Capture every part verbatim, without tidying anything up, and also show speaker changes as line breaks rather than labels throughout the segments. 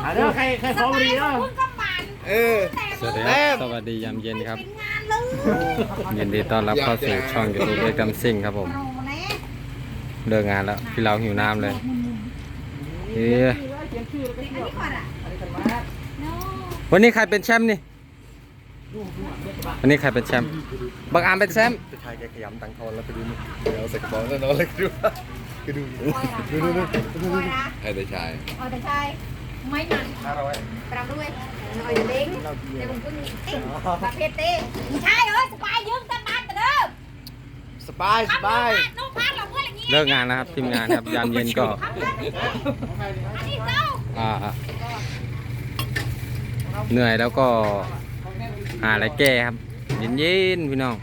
เดี๋ยวใครใครขอรีเนาะ
เออ
สวัสดีครับสวัสดียามเย็นครับยินดีต้อนรับเข้าสู่ช่องยูทูบเอ็กซ์ดัมซิ่งครับผมเลิกงานแล้วพี่เราหิวน้ำเลยเฮ้ยวันนี้ใครเป็นแชมป์นี่วันนี้ใครเป็นแชมป์บังอาร์มเป็นแชมป์
ชายแกขยำตังทอนแล้วไปดูนี่เดี๋ยวใส่กระเป๋าแล้วนอนเลยดูไปดูดูดูดูดูดูไอ้แต่ชาย
อ๋อแต่ชายไม่มันปรับด้วยหน่อยเล้งในผมก็มีเต้ประเภทเต้ใช่เอ้ยสบายยืมกันมาแต่เดิม
สบายสบาย
เลิกงานแล้วครับทีมงานครับยามเย็นก็อ่าเหนื่อยแล้วก็หาอะไรแก้ครับเย็นๆพี่น้อง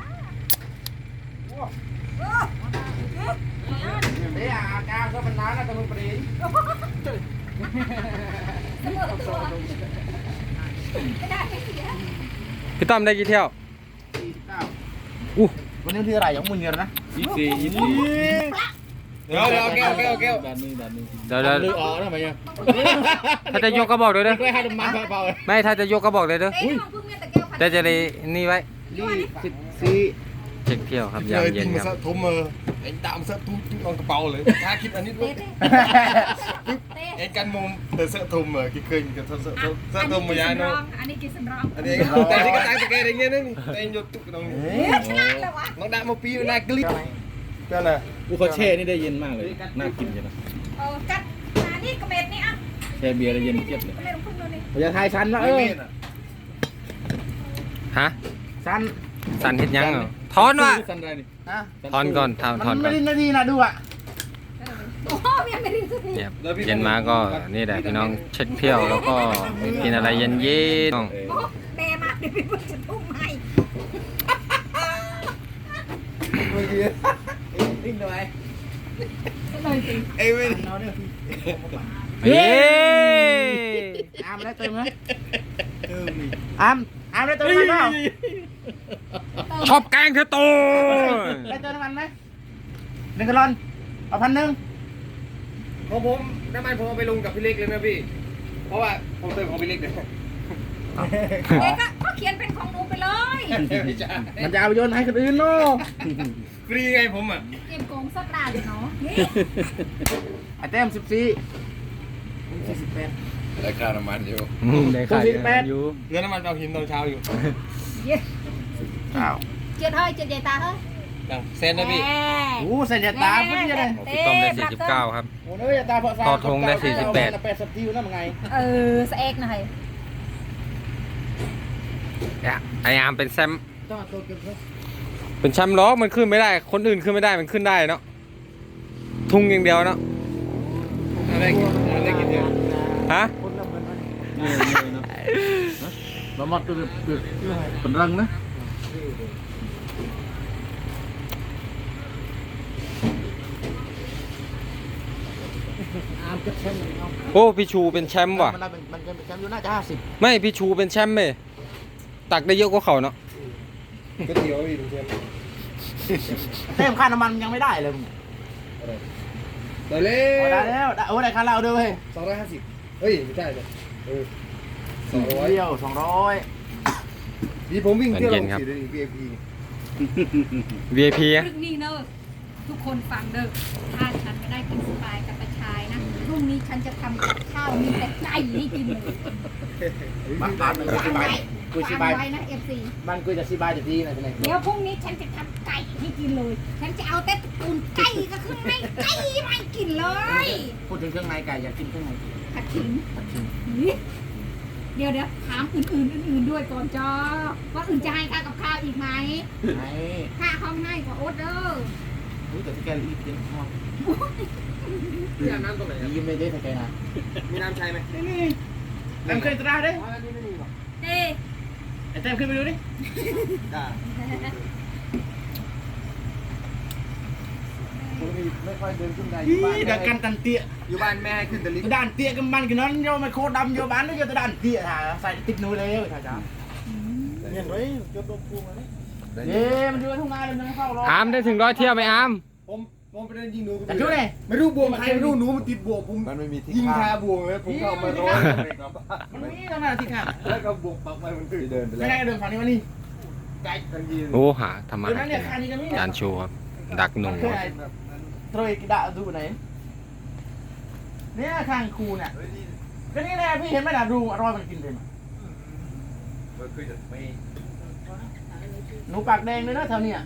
พี่ต้อมได้กี่เที่ยวอู้
วันนี้ที่อะไรยังมึงเงินนะ
ยี่สิบยี่สิบเดี๋ยวเดี๋ยวแก้วแก้วแก้ว
เดี๋ยวเดี๋ยว
ลืออ๋อทำไมเนี่ย
ถ้าจะยกก็บอกเลยเด้อ
ไม่ให้ดมันเบาๆ
ไม่ถ้าจะยกก็บอกเลยเด้อแต่จะได้นี่ไว้
สิบสี่
เช็คเที่ยวครับยามเย็นครับ
ทุ่มมือไอ้ดามเสื้อทุ่มทุ่มลงกระเป๋าเลยถ้าคิดอันนี้ด้วยไอ้กันมุมแต่เสื้อทุ่มเหรอคิดเคยกับเสื้อเสื้อทุ่มมายาโน่
อันนี้กินสำรอง
อันนี้แต่ที่ก็ตายตะแกรงอย่างเงี้ยนี่แต่ยกตุ๊กตรงนี้น้องดามาปีน่ากลิ๊กเจ้าน่ะ
อูเขาแช่นี่ได้เย็นมากเลยน่ากินเลยนะ
เออกัดอันนี้กระเม็ดนี่อ่ะ
แช่เบียร์ได้เย็นเจี๊ยบเลย
กระเม็ดของคุณดูนี่
อย่าทายชั้นนะเออ
ฮะ
ชั้น
สันเห็ดยังเหรอถอนวะถอนก่อนถอนถอนก่อน
ไม่ได้นาทีนะดูอ่ะ
โอ้ยไม่ได้สักที
เนี่ยเย็นมาก็นี่แหละพี่น้องเช็คเที่ยวแล้วก็กินอะไรเย็นเย็น
แม่มาเดี๋ยวพี่พูดจะทุ่มให้
ดิ้งด้วย
เอ้ยไม่
เฮ้ย
อามได้เติมไหมอามอามได้เติมไหมเปล่า
ชอบแกงเธอโต
ได้เติมน้ำมันไหมหนึ่งกะลอนเอาพันหนึ่ง
ของผมน้ำมันผมเอาไปลงกับพี่เล็กเลยนะพี่เพราะว่าผมเติมของพี่เล็กเลย
เด็กก็เขียนเป็นของหนูไปเลย
มันจะเอาโยนให้คนอื่นเนาะ
ฟรีไงผมอ่ะ
เกมโกงสักดาเลยเนาะ
ไอเต็มสิบสี่สี่สิบแปด
ได้ค่าน้ำมันอยู่
ได้ค่าน้ำมันอยู่
เงินน้ำมันเอาหินตอนเช้าอยู่
เย้อ้าวเจ็ดเฮ้ยเจ็ดใหญ่ตาเฮ้ย
เส้นนะพี่
โอ้เส้นใหญ่ตาพี่จะได้
พี่ต้อมได้สี่สิบเก้าครับ
โอ้เนื้อตาพอสาม
ทอดทงได้สี่สิบแปด
แปดสิบทิวนั่นไง
เออสเอ็กหน่อย
ไออาร์มเป็นแชมป์เป็นแชมป์ล้อมันขึ้นไม่ได้คนอื่นขึ้นไม่ได้มันขึ้นได้เนาะทุ่งอย่างเดียวเนาะ
อะไรกินอะไรกินเยอะ
ฮะ
เราหมดตัวเปลือกเป็นรังนะ
โอ้พี่ชูเป็นแชมป์ว่ะ
มันเป็นแชมป์อยู่น่าจะห้าสิบ
ไม่พี่ชูเป็นแชมป์ไหมตักได้เยอะกว่าเขาเนาะ
ก็เดียวพี่ดูแชมป์
เต็มค่าน้ำมันยังไม่ได้เลย
ได้แล้ว
ได้แล้วโอ้ได้ค่าเราด้วย
สองร้อยห้าสิบเฮ้ยไม่ใช่เลยเออ
สองร้อยเดียวสองร้อย
ดีผมวิ่งเที่ยวลงสี่ วี ไอ พี
วี ไอ พี
พรุ่งนี้เนอะทุกคนฟังเด้อถ้าฉันไม่ได้กินสบายกับประชายนะพรุ่งนี้ฉันจะทำกับข้าวมีแต่ไก่ให้กินเลย
บ้านบ้านกุยสบายกุยสบาย
นะเอฟซี
บ้านกุยจะสบายจะดีนะท่าน
เดี๋ยวพรุ่งนี้ฉันจะทำไก่ให้กินเลยฉันจะเอาแต่ตุนไก่กับเครื่องในไก่ไม่กินเลย
พูดถึงเครื่องในไก่อยากกินเครื่องใน
ผัดขิงผัดขิงเดี๋ยวเดี๋ยวถามอื่นๆอื่นๆด้วยก่อนจ้าว่าอื่นจะให้ค่ากับข้าวอีกไหมค่าห้องให้กับโอ๊ตเด้อ
รู้แต่ที่แกรีบเย็นห้อง
มีน้ำตรงไหน
ยิ้มไม่ได้แต่แกนะ
มีน้ำใช่ไหม
ไม่มีแต้มขึ้นตราได้
เต้
ไอแต้มขึ้นไปดูดิไม่ค่อยเดินขึ้นได้อยู่บ้านดักกันตันเตี้ย
อยู่บ้านแม่ให้ขึ้นแต่ลิฟต์
ด่านเตี้ยกันมันกันนั้นโยมันโคตรดำโยบ้านนี่โยแต่ด่านเตี้ยถ่าใส่ติดนูเลยถ่าจ้าเห็นไหมโยตัวปูมาเนี่ยเย้มันอยู่ทุ่งนาเลยมันไม่เข้ารอ
อาร์มได้ถึงร้อยเที่ยวไหมอาร์ม
ผมผมองไปเล่นยิงหนู
แต่ช่วยเลย
ไม่รู้บวงใครไม่รู้หนูมันติดบวงผม
มันไม่มีที่
ยิง
ข้า
คาม บวงเลยผมก็เอามาร้อยเลยครับ
มันมีตรงนั้นที่ข้าง
แล้วก็บวงปักไปมันคือ
ที่เดินไป
ไม่
แล้ว
ได้เดินฝั่งนี้มานี่ไกล
กันยิง
โอ้หาทำมา
เดิน
หา
นั่น
กิ
เนี่ย
น
ข้างนี้ก็มี
จานโชว์ครับดักหนู
มันคือไอ้โตรยกิดะดูไหนเนี่ยข้างคูเนี่ยก็นี่แหละพี่เห็นไหมล่ะดูอร่อยมันกินเลยหนูปากแดงเลยนะแถวเนี้ย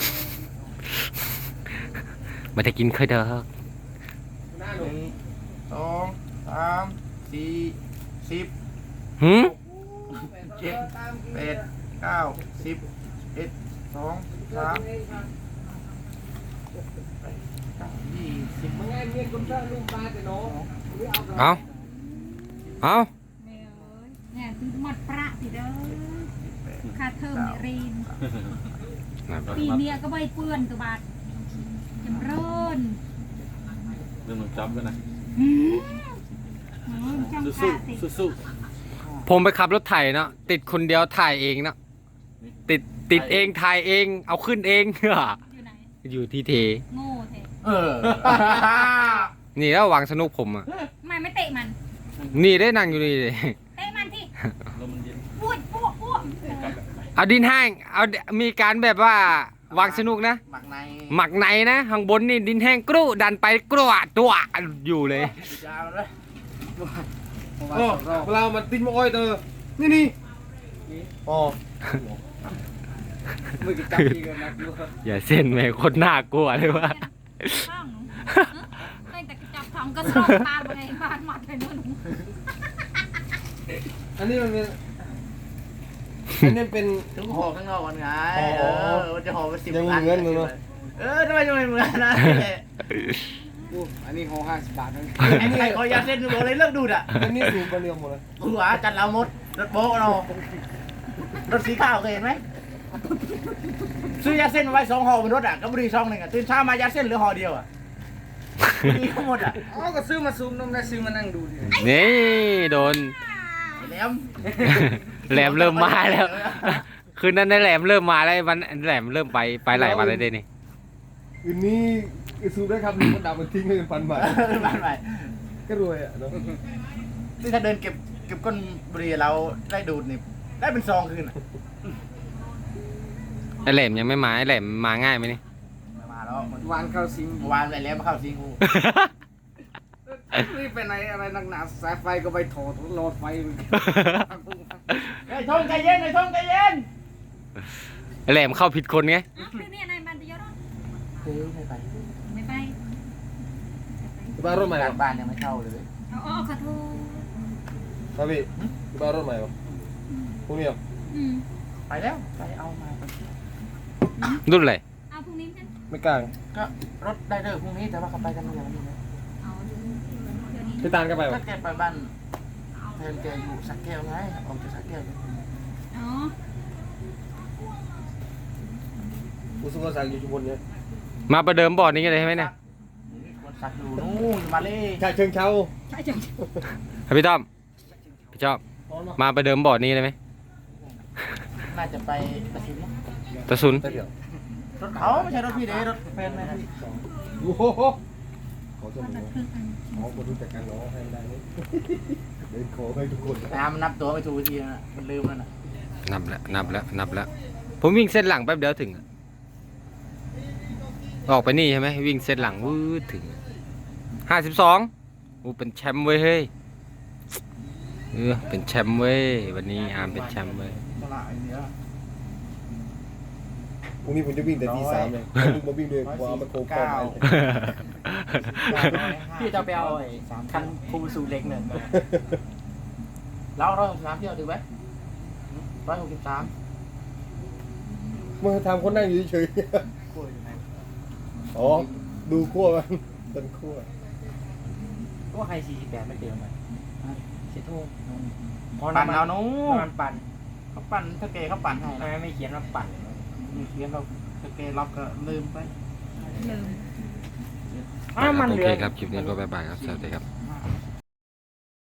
ไม่ได้กินเคยเด้อ
หน้าห
ห
นู
นึ่งสองสามสี่สิบ
หืม
เจ็ดแปดเก้าสิบเอ็ดสองสามยี่สิบ
มึงไงเมียคนเจ้าลูกปลาแต่น้อง
เอาเอา
แม่เอ้ยเนี่ยคือหมดประสิเด้อค่าเทอมเนี่ยเรียนปีเนี้ยก็ใบเปื้อนตัวบาทจำเริญ
เรื่องมันจับกันนะ
อืมอืมจังค่ะสิ
สู้
ผมไปขับรถไถเนาะติดคนเดียวถ่ายเองเนาะติดติดเองถ่ายเองเอาขึ้นเอง
อยู่ไหน
อยู่ที่เท
โง่เท
เออ
นี่แล้ววางสนุกผมอ่ะ
ทำไมไม่เตะมัน
นี่ได้นั่งอยู่นี่เลย
เตะมันที่
ลมมันเย็น
พูดพูดพูด
เอาดินแห้งเอามีการแบบว่าวางสนุกนะ
หมักใน
หมักในนะข้างบนนี่ดินแห้งกรุดันไปกรวดตัวอยู่เลย
ยาวเลย
โอ้เวลามันติดมาอ้อยเตอนี่นี่อ๋อไม่กินจับทีกันนะดู
อย่าเส้นแม่โคตรน่ากลัวเลยว่า
ข้างหนูตั้งแต่จับทองก็สอบตาไปไงบ้านหมัดไปนู่น
อันนี้มันเป็นอันนี้เป็น
ถึงห่อข้างนอกก่อนไง
อ๋อ
เออมันจะห่อไปสิบ
ยัง
อัน
เหมือนอยู่เนอะ
เออทำไมจะไม่เหมือนนะ
อันนี้ห่อห้าสิบบาทนั่น
ไอ้นี่ขอยาเส้นดูเลยเลิกดูดอ่ะ
อันนี้สูงกว่าเดียวหมดเลย
หัวจัดเราหมดรถโบ๊ะเรารถสีขาวเคยเห็นไหมซื้อยาเส้นมาไว้สองห่อบนรถอ่ะก็บรีซองหนึ่งอ่ะตื่นเช้ามายาเส้นเหลือห่อเดียวอ่ะมีทั้งหมดอ่ะ
อ๋อก็ซื้อมาซูมน้ำได้ซื้อมานั่งดูดิ
นี่โดน
แหลม
แหลมเริ่มมาแล้ว คืนนั้นได้แหลมเริ่มมาแล้ววันแหลมเริ่มไปไปไหลมาเลยเด้นี่
คืนนี้ซูมได้ครับหนึ่งคนดำมันทิ้งให้เป็นพันบาท
บ้านใหม่
ก็รวยอ่ะเนาะ
ที่ถ้าเดินเก็บเก็บก้นบุหรี่เราได้ดูดนี่ได้เป็นซองคืนอ่ะ
ไอแหลมยังไม่มาไอแหลมมาง่ายไหมนี่
มาแล้ว
วานเข้าซิง
เมื่อวานไปแล้วมาเข้าซิงกู
นี่ไปไหนอะไรนักหนาสายไฟก็ไปถอดหลอดไฟ
ไอ้ทงใจเย็นไอ้ทงใจเย็น
ไอแหลมเข้าผิดคนไง
อ้าวคือเนี่ยนายบันจะยอด
เฮ้ยไม่ไป
ไม่ไป
บ้านรถใหม่
บ้านบ้านยังไม่เข้าเลย
เอาอ๋อขอโทษ
ครับพี่บ้านรถใหม่ปะพวกนี้
อืม
ไปแล้วไปเอามา
รุ่นอะไร
เอาพรุ่งนี้กัน
ไม่กลาง
ก็รถได้เลิกพรุ่งนี้แต่ว่าเขาไปกันเมื่อไหร่นี่นะ
เอาเดี๋ยวนี้
พี่ตาลก็ไป
ก็
ปะ
แกไปบ้านแฟนแกอยู่สักแก้วไงออกจากสักแก้ว
อ๋อ
อุสุกสักอยู่ชุมพลเนี่ย
มาประเดิมบอร์ดนี้กันเลยใช่ไหมเนี่ย
คนสักอยู่นู่นมาเลย
ชาเชิงเช้า
ใช่จัง
ครับพี่ต้อมพี่ชอบมาประเดิมบอร์ดนี้เลยไหม
น่าจะไปประชิมนะ
ตะซุน
แต่เดี๋ยว
รถเขาไม่ใช่รถพี่เด้รถแฟนแม่พี่
โอ้โหขอจะ
มัน
หนู
คืออัน
ขอคนรู้จักกันน้องให้ได้นี่เดินขอให้ทุกคน
น้ำมันนับตัวไม่ถูกทีนะมันลืมแล้วนะ
นับแล้วนับแล้วนับแล้วผมวิ่งเส้นหลังแป๊บเดียวถึงอะออกไปนี่ใช่ไหมวิ่งเส้นหลังวืดถึงห้าสิบสองอูเป็นแชมป์เว้ยเฮ้ยเออเป็นแชมป์เว้ยวันนี้อาร์มเป็นแชมป์เว้ย
ตลาดไอ้เนี่ย
พรุ่งนี้ผมจะวิ่งแต่ตีสามเลยลุงมาวิ่งด้วยความมันโค้งเข้าไป
พี่จะไปเอาไอ้คันคูซูเล็กหนึ่งแล้วร้อยหกสิบสามเที่ยวดูไหมร้อยหกสิบสาม
เมื่อทำคนนั่งอยู่เฉยๆอ๋อดูขั้วมันต้นขั้ว
ก็ใครสี่สิบแปดไม่เต็มเลยเสียทุ่งปั่นเอานู้นปั่นเขาปั่นถ้าเกเขาปั่นให้แล้วไม่เขียนว่าปั่นมีเขียนเราถ้าเกล็อกก็ลืมไป
ลืม
โอเคครับคลิปนี้ก็บ๊ายบายครับสวัสดีครับ